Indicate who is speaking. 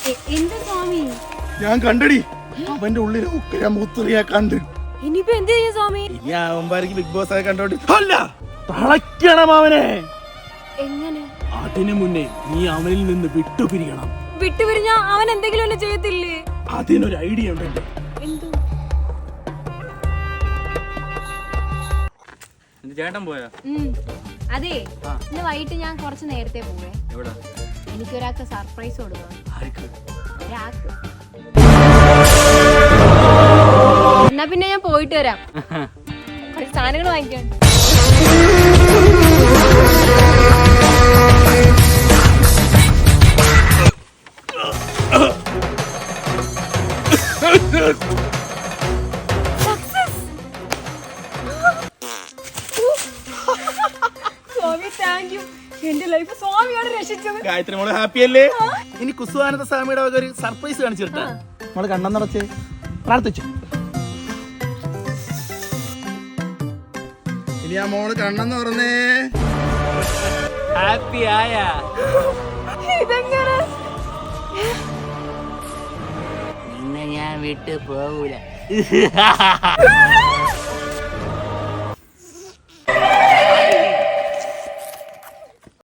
Speaker 1: എന്ത് സ്വാമി?
Speaker 2: ഞാൻ കണ്ടടി, അവന്റെ ഉള്ളിൽ ഉക്കര മുത്തറിയാ കണ്ട്.
Speaker 1: ഇനിയിപ്പോ എന്ത് ചെയ്യും സ്വാമി?
Speaker 2: ഇനി അവന്മാർക്ക് ബിഗ് ബോസ് ആയി കണ്ടോണ്ട് അല്ല തളയ്ക്കണം അവനെ.
Speaker 1: എങ്ങനെ?
Speaker 2: അതിനു മുന്നേ നീ അവനിൽ നിന്ന് വിട്ടുപിരിയണം.
Speaker 1: വിട്ടുപിരിഞ്ഞ അവൻ എന്തെങ്കിലും എന്നെ ചെയ്യത്തില്ലേ?
Speaker 2: അതിനൊരു ഐഡിയ ഉണ്ട്.
Speaker 1: എന്ത്?
Speaker 3: ചേട്ടൻ പോയാ?
Speaker 1: അതെ, ഇന്ന് വൈകിട്ട് ഞാൻ കുറച്ച് നേരത്തെ പോവേ. എനിക്കൊരാൾക്ക് സർപ്രൈസ് കൊടുക്കണം. ഒരാൾക്ക്. എന്നാ പിന്നെ ഞാൻ പോയിട്ട് വരാം. കുറച്ച് സാധനങ്ങൾ വാങ്ങിക്കാൻ. Swami thank you. എന്റെ ലൈഫ് സ്വാമിയാണ് രക്ഷിച്ചത്.
Speaker 2: ഗായത്രി മോള് ഹാപ്പി അല്ലേ? ഇനി കുസുവാനന്ദ സ്വാമിയുടെ വക ഒരു സർപ്രൈസ് കാണിച്ചിട്ടാ മോള് കണ്ണം നിറച്ച് പ്രാർത്ഥിച്ചു. ഇനി ആ മോള് കണ്ണെന്ന് പറഞ്ഞേ
Speaker 3: ഹാപ്പി ആയാ?
Speaker 1: ഇതെങ്ങനെ?
Speaker 3: നിന്നെ ഞാൻ വിട്ടു പോകൂല.